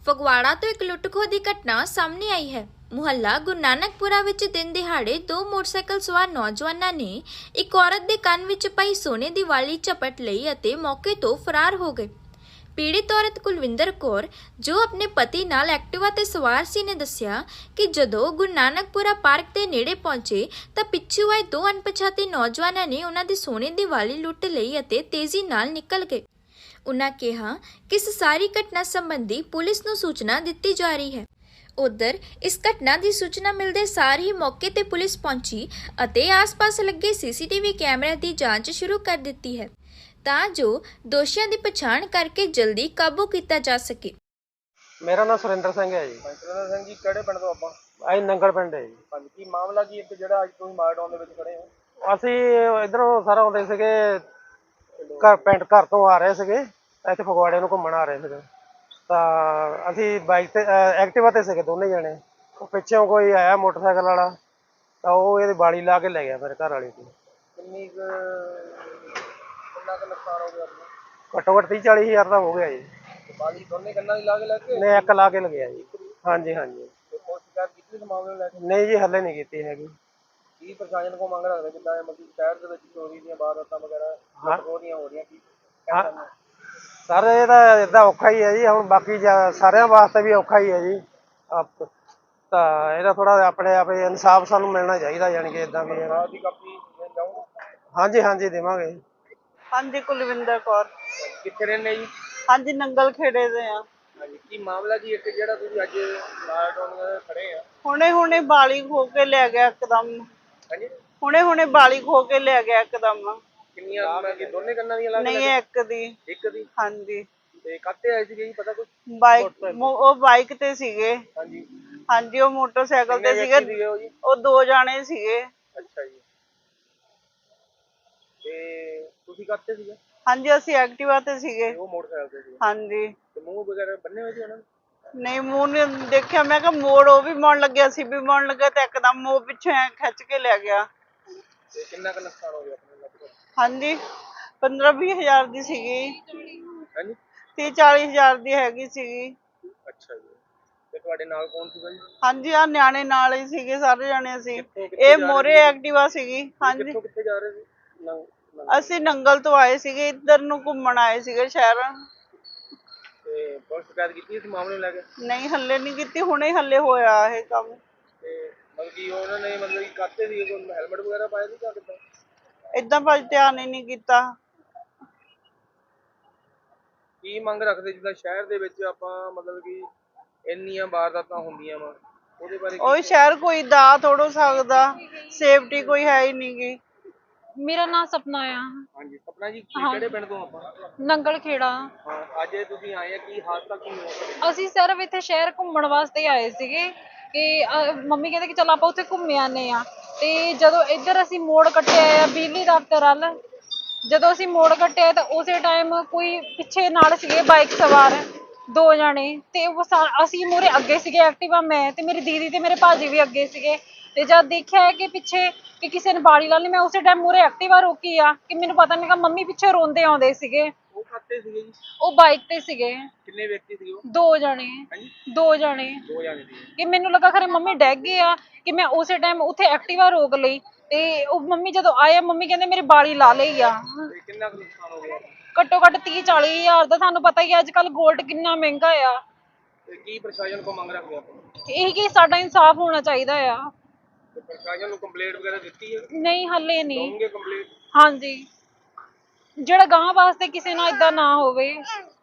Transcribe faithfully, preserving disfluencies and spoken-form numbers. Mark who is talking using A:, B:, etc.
A: ਫਗਵਾੜਾ ਤੋਂ ਇੱਕ ਲੁੱਟ-ਖੋਹ ਦੀ ਘਟਨਾ ਸਾਹਮਣੇ ਆਈ ਹੈ। ਮੁਹੱਲਾ ਗੁਰੂ ਨਾਨਕਪੁਰਾ ਵਿੱਚ ਦਿਨ ਦਿਹਾੜੇ ਦੋ ਮੋਟਰਸਾਈਕਲ ਸਵਾਰ ਨੌਜਵਾਨਾਂ ਨੇ ਇੱਕ ਔਰਤ ਦੇ ਕੰਨ ਵਿੱਚ ਪਈ ਸੋਨੇ ਦੀ ਵਾਲੀ ਝਪਟ ਲਈ ਅਤੇ ਮੌਕੇ ਤੋਂ ਫਰਾਰ ਹੋ ਗਏ। ਪੀੜਿਤ ਔਰਤ ਕੁਲਵਿੰਦਰ ਕੌਰ, ਜੋ ਆਪਣੇ ਪਤੀ ਨਾਲ ਐਕਟਿਵਾ ਤੇ ਸਵਾਰ ਸੀ, ਨੇ ਦੱਸਿਆ ਕਿ ਜਦੋਂ ਗੁਰੂ ਨਾਨਕਪੁਰਾ ਪਾਰਕ ਦੇ ਨੇੜੇ ਪਹੁੰਚੇ ਤਾਂ ਪਿੱਛੋਂ ਆਏ ਦੋ ਅਣਪਛਾਤੇ ਨੌਜਵਾਨਾਂ ਨੇ ਉਹਨਾਂ ਦੀ ਸੋਨੇ ਦੀ ਵਾਲੀ ਲੁੱਟ ਲਈ ਅਤੇ ਤੇਜ਼ੀ ਨਾਲ ਨਿਕਲ ਗਏ। उन्होंने कहा कि इस सारी घटना संबंधी पुलिस नूं सूचना दी जा रही है। उधर इस घटना की सूचना मिलते सार ही मौके ते पुलिस पहुंची अते आस-पास लगे सीसीटीवी कैमरे की जांच शुरू कर दी है तां जो दोषियों की पछाण करके जल्दी काबू किया जा सके।
B: मेरा नाम सुरेंद्र सिंह है जी।
C: सुरेंद्र सिंह जी किहड़े पिंड तो आपां?
B: ਅਸੀਂ ਨੰਗਲ ਪਿੰਡ ਹੈ ਜੀ।
C: ਹਾਂਜੀ, ਕੀ ਮਾਮਲਾ ਕੀ ਇੱਕ ਜਿਹੜਾ ਅੱਜ ਤੁਸੀਂ ਮਾਰਡਾਊਨ ਦੇ ਵਿੱਚ ਖੜੇ ਹੋ?
B: ਅਸੀਂ ਇਧਰੋਂ ਸਾਰਾ ਆਉਂਦੇ ਸੀਗੇ, ਘਰ ਪਿੰਡ ਘਰ ਤੋਂ ਆ ਰਹੇ ਸੀਗੇ, ਇੱਥੇ ਫਗਵਾੜੇ ਨੂੰ ਘੁੰਮਣ ਆ ਰਹੇ ਸੀਗੇ। ਤਾਂ ਅਸੀਂ ਬਾਈਕ ਤੇ ਐਕਟਿਵਾ ਤੇ ਸੀਗੇ ਦੋਨੇ ਜਣੇ। ਉਹ ਪਿੱਛੋਂ ਕੋਈ ਆਇਆ ਮੋਟਰਸਾਈਕਲ ਵਾਲਾ, ਤਾਂ ਉਹ ਇਹਦੀ ਬਾਲੀ ਲਾ ਕੇ ਲੈ ਗਿਆ ਮੇਰੇ ਘਰ ਵਾਲੀ ਦੀ।
C: ਕਿੰਨੀ ਕੁ ਕਿੰਨਾ ਕੁ ਨੁਕਸਾਨ ਹੋ ਗਿਆ ਆਪਣਾ?
B: ਘੱਟੋ ਘੱਟ ਤੀਹ ਚਾਲੀ ਹਜ਼ਾਰ ਦਾ ਹੋ ਗਿਆ ਜੀ।
C: ਬਾਲੀ ਦੋਨੇ ਕੰਨਾਂ ਦੀ ਲਾ ਕੇ ਲੈ ਕੇ?
B: ਨਹੀਂ, ਇੱਕ ਲਾ ਕੇ ਲੱਗਿਆ ਜੀ। ਹਾਂਜੀ ਹਾਂਜੀ।
C: ਤੇ ਕੋਈ ਸ਼ਿਕਾਇਤ ਕੀਤੀ ਇਸ ਮਾਮਲੇ ਨੂੰ ਲੈ ਕੇ?
B: ਨਹੀਂ ਜੀ, ਹੱਲੇ ਨਹੀਂ ਕੀਤੀ ਹੈਗੀ।
C: ਕੀ ਪ੍ਰਸ਼ਾਸਨ ਕੋਲ ਮੰਗ ਰੱਖਦੇ ਜਿੱਦਾਂ ਮਤਲਬ ਸ਼ਹਿਰ ਦੇ ਵਿੱਚ ਚੋਰੀ ਦੀਆਂ ਵਾਰਦਾਤਾਂ ਵਗੈਰਾ ਉਹਦੀਆਂ ਹੋ ਰਹੀਆਂ, ਕੀ
B: ਹਾਂ ਸਰ, ਇਹ ਤਾਂ ਇੱਦਾਂ ਔਖਾ ਹੀ ਹੈ ਜੀ। ਹੁਣ ਬਾਕੀ ਸਾਰਿਆਂ ਵਾਸਤੇ ਵੀ ਔਖਾ ਹੀ ਹੈ ਜੀ। ਆਪ ਤਾਂ ਇਹਦਾ ਥੋੜਾ ਆਪਣੇ ਆਪ ਇਨਸਾਫ ਸਾਨੂੰ ਮਿਲਣਾ ਚਾਹੀਦਾ, ਯਾਨੀ ਕਿ ਇੱਦਾਂ ਵੀ।
C: ਰਾਤ ਦੀ ਕਾਪੀ ਜਾਊਗਾ?
B: ਹਾਂਜੀ ਹਾਂਜੀ, ਦੇਵਾਂਗੇ।
D: ਹਾਂਜੀ, ਕੁਲਵਿੰਦਰ ਕੌਰ।
C: ਕਿੱਥੇ ਰਹਿੰਦੇ ਜੀ?
D: ਹਾਂਜੀ, ਨੰਗਲ ਖੇੜੇ ਦੇ ਆ।
C: ਹਾਂਜੀ, ਕੀ ਮਾਮਲਾ ਕੀ ਇੱਕ ਜਿਹੜਾ ਤੁਸੀਂ ਅੱਜ ਮਾਰਡਾਊਨ ਖੜੇ ਆ?
D: ਹੁਣੇ ਹੁਣੇ ਬਾਲੀ ਖੋ ਕੇ ਲੈ ਗਿਆ ਇੱਕਦਮ।
C: ਹਾਂਜੀ,
D: ਹੁਣੇ ਹੁਣੇ ਬਾਲੀ ਖੋ ਕੇ ਲੈ ਗਿਆ ਇੱਕਦਮ।
C: ਕਿੰਨੀਆਂ ਮੈਂ ਕਿ ਦੋਨੇ ਕੰਨਾਂ ਦੀਆਂ ਲਾ ਕੇ?
D: ਨਹੀਂ, ਇੱਕ ਦੀ।
C: ਇੱਕ ਦੀ?
D: ਹਾਂਜੀ।
C: ਤੇ ਕਾਹਤੇ ਆਏ ਸੀਗੇ ਜੀ, ਪਤਾ ਕੁਛ?
D: ਬਾਈਕ, ਉਹ ਬਾਈਕ ਤੇ ਸੀਗੇ।
C: ਹਾਂਜੀ
D: ਹਾਂਜੀ, ਉਹ ਮੋਟਰਸਾਈਕਲ ਤੇ ਸੀਗੇ।
C: ਉਹ ਜੀ?
D: ਉਹ ਦੋ ਜਾਣੇ ਸੀਗੇ।
C: ਅੱਛਾ ਜੀ। ਤੇ ਤੁਸੀਂ ਕਾਹਤੇ ਸੀਗੇ?
D: ਹਾਂਜੀ, ਅਸੀਂ ਐਕਟਿਵਾ ਤੇ ਸੀਗੇ।
C: ਉਹ ਮੋਟਰਸਾਈਕਲ ਤੇ ਸੀਗੇ?
D: ਹਾਂਜੀ।
C: ਤੇ ਮੂੰਹ ਵਗੈਰਾ ਬੰਨੇ ਹੋਏ ਸੀ ਉਹਨਾਂ ਨੇ?
D: ਨਹੀਂ, ਮੂੰਹ ਨੇ ਦੇਖਿਆ। ਮੈਂ ਕਿਹਾ ਮੋੜ, ਉਹ ਵੀ ਮੋੜਨ ਲੱਗਿਆ, ਅਸੀਂ ਵੀ ਮੋੜਨ ਲੱਗੇ ਤੇ ਇੱਕਦਮ ਉਹ ਪਿੱਛੇ ਐ ਖਿੱਚ ਕੇ ਲੈ ਗਿਆ।
C: ਤੇ ਕਿੰਨਾ ਕੁ ਨੁਕਸਾਨ ਹੋ ਗਿਆ ਆਪਣੇ ਲਗਭਗ?
D: ਹਾਂਜੀ, ਪੰਦਰਾਂ ਵੀਹ ਹਜ਼ਾਰ ਦੀ ਸੀਗੀ।
C: ਹਾਂਜੀ,
D: ਤੀਹ ਚਾਲੀ ਹਜ਼ਾਰ ਦੀ ਹੈਗੀ ਸੀਗੀ।
C: ਅੱਛਾ ਜੀ। ਤੇ ਤੁਹਾਡੇ ਨਾਲ ਕੌਣ ਸੀਗਾ ਜੀ?
D: ਹਾਂਜੀ, ਆ ਨਿਆਣੇ ਨਾਲ ਹੀ ਸੀਗੇ, ਸਾਰੇ ਜਾਣੇ ਅਸੀਂ।
C: ਕਿੱਥੋਂ ਕਿੱਥੇ
D: ਇਹ
C: ਜਾ ਰਹੇ
D: ਮੋਰੇ
C: ਸੀ?
D: ਐਕਟਿਵਾ ਸੀਗੀ। ਹਾਂਜੀ,
C: ਕਿੱਥੋਂ ਕਿੱਥੇ ਜਾ ਰਹੇ ਸੀ? ਨੰਗ- ਨੰਗ-
D: ਅਸੀਂ ਨੰਗਲ ਤੋਂ ਆਏ ਸੀਗੇ, ਇੱਧਰ ਨੂੰ ਘੁੰਮਣ ਆਏ ਸੀਗੇ ਸ਼ਹਿਰ।
C: ਤੇ ਪੁਲਿਸ ਸ਼ਿਕਾਇਤ ਕੀਤੀ ਇਸ ਮਾਮਲੇ ਨੂੰ ਲੈ ਕੇ?
D: ਨਹੀਂ, ਹੱਲੇ ਨਹੀਂ ਕੀਤੀ, ਹੁਣੇ ਹੱਲੇ ਹੋਇਆ ਇਹ ਕੰਮ।
C: ਤੇ ਮਤਲਬ ਕਿ ਉਹਨਾਂ ਨੇ ਮਤਲਬ ਕਿ ਕਾਹਤੇ ਸੀ, ਕੋਈ ਹੈਲਮਟ ਵਗੈਰਾ ਪਾਇਆ ਸੀ ਜਾਂ ਕਿੱਦਾਂ?
D: ਏਦਾਂ ਭਾਜੀ ਧਿਆਨ ਹੀ ਨਹੀਂ ਕੀਤਾ।
C: ਕੀ ਮੰਗ ਰੱਖਦੇ ਜਿੱਦਾਂ ਸ਼ਹਿਰ ਦੇ ਵਿੱਚ ਆਪਾਂ ਮਤਲਬ ਕਿ ਇੰਨੀਆਂ ਵਾਰਦਾਤਾਂ ਹੁੰਦੀਆਂ ਵਾ, ਉਹਦੇ ਬਾਰੇ
D: ਉਹ ਸ਼ਹਿਰ ਕੋਈ ਦਾ ਥੋੜੋ ਸਕਦਾ, ਸੇਫਟੀ ਕੋਈ ਹੈ ਹੀ ਨਹੀਂ ਗੀ।
E: ਮੇਰਾ ਨਾਮ ਸਪਨਾ ਆ।
C: ਹਾਂਜੀ, ਸਪਨਾ ਜੀ, ਕਿਹੜੇ ਪਿੰਡ ਤੋਂ ਆਪਾਂ?
E: ਨੰਗਲ ਖੇੜਾ।
C: ਹਾਂ, ਅੱਜ ਤੁਸੀਂ ਆਏ ਆ, ਕੀ ਹਾਦਸਾ ਕੀ ਹੋਇਆ?
E: ਅਸੀਂ ਸਿਰਫ ਇੱਥੇ ਸ਼ਹਿਰ ਘੁੰਮਣ ਵਾਸਤੇ ਆਏ ਸੀਗੇ ਕਿ ਅਹ, ਮੰਮੀ ਕਹਿੰਦੇ ਕਿ ਚਲ ਆਪਾਂ ਉੱਥੇ ਘੁੰਮ ਆਨੇ ਆ। ਤੇ ਜਦੋਂ ਇੱਧਰ ਅਸੀਂ ਮੋੜ ਕੱਟਿਆ ਆ ਬਿਜਲੀ ਦਫ਼ਤਰ ਵੱਲ, ਜਦੋਂ ਅਸੀਂ ਮੋੜ ਕੱਟਿਆ ਤਾਂ ਉਸੇ ਟਾਈਮ ਕੋਈ ਪਿੱਛੇ ਨਾਲ ਸੀਗੇ ਬਾਈਕ ਸਵਾਰ ਦੋ ਜਾਣੇ, ਤੇ ਉਹ ਅਸੀਂ ਮੂਹਰੇ ਅੱਗੇ ਸੀਗੇ ਐਕਟਿਵਾ, ਮੈਂ ਤੇ ਮੇਰੀ ਦੀਦੀ ਤੇ ਮੇਰੇ ਭਾਜੀ ਵੀ ਅੱਗੇ ਸੀਗੇ। ਤੇ ਜਦ ਦੇਖਿਆ ਕਿ ਪਿੱਛੇ ਕਿ ਕਿਸੇ ਨੇ ਬਾੜੀ ਲਾ ਲਈ, ਮੈਂ ਉਸੇ ਟਾਈਮ ਮੂਹਰੇ ਐਕਟਿਵਾ ਰੋਕੀ ਆ ਕਿ ਮੈਨੂੰ ਪਤਾ ਨਹੀਂ ਕਿ ਮੰਮੀ ਪਿੱਛੇ ਰੋਂਦੇ ਆਉਂਦੇ ਸੀਗੇ।
C: ਉਹ ਖਾਤੇ ਸੀਗੇ ਜੀ?
E: ਉਹ ਬਾਈਕ ਤੇ ਸੀਗੇ।
C: ਕਿੰਨੇ ਵਿਅਕਤੀ ਸੀਗੇ ਉਹ?
E: ਦੋ ਜਣੇ। ਦੋ ਜਣੇ
C: ਦੋ ਜਣੇ ਸੀ।
E: ਕਿ ਮੈਨੂੰ ਲੱਗਾ ਖਰੇ ਮੰਮੀ ਡੈਗ ਗਏ ਆ, ਕਿ ਮੈਂ ਉਸੇ ਟਾਈਮ ਉੱਥੇ ਐਕਟਿਵਾ ਰੋਕ ਲਈ। ਤੇ ਉਹ ਮੰਮੀ ਜਦੋਂ ਆਏ, ਮੰਮੀ ਕਹਿੰਦੇ ਮੇਰੀ ਬਾਲੀ ਲਾ ਲਈ ਆ।
C: ਤੇ ਕਿੰਨਾ ਕੁ ਨੁਕਸਾਨ ਹੋ ਗਿਆ?
E: ਘੱਟੋ ਘੱਟ ਤੀਹ ਚਾਲੀ ਹਜ਼ਾਰ ਦਾ। ਤੁਹਾਨੂੰ ਪਤਾ ਹੀ ਹੈ ਅੱਜ ਕੱਲ ਗੋਲਡ ਕਿੰਨਾ ਮਹਿੰਗਾ ਆ।
C: ਤੇ ਕੀ ਪ੍ਰਸ਼ਾਸਨ ਕੋਲ ਮੰਗ ਰੱਖਦੇ ਆਪਾਂ?
E: ਇਹ ਕਿ ਸਾਡਾ ਇਨਸਾਫ ਹੋਣਾ ਚਾਹੀਦਾ ਆ।
C: ਤੇ ਪ੍ਰਸ਼ਾਸਨ ਨੂੰ ਕੰਪਲੇਂਟ ਵਗੈਰਾ ਦਿੱਤੀ ਹੈ?
E: ਨਹੀਂ, ਹੱਲੇ ਨਹੀਂ।
C: ਦੋਗੇ ਕੰਪਲੇਂਟ?
E: ਹਾਂਜੀ, ਜਿਹੜਾ ਗਾਂ ਵਾਸਤੇ ਕਿਸੇ ਨਾਲ ਏਦਾਂ ਨਾ ਹੋਵੇ।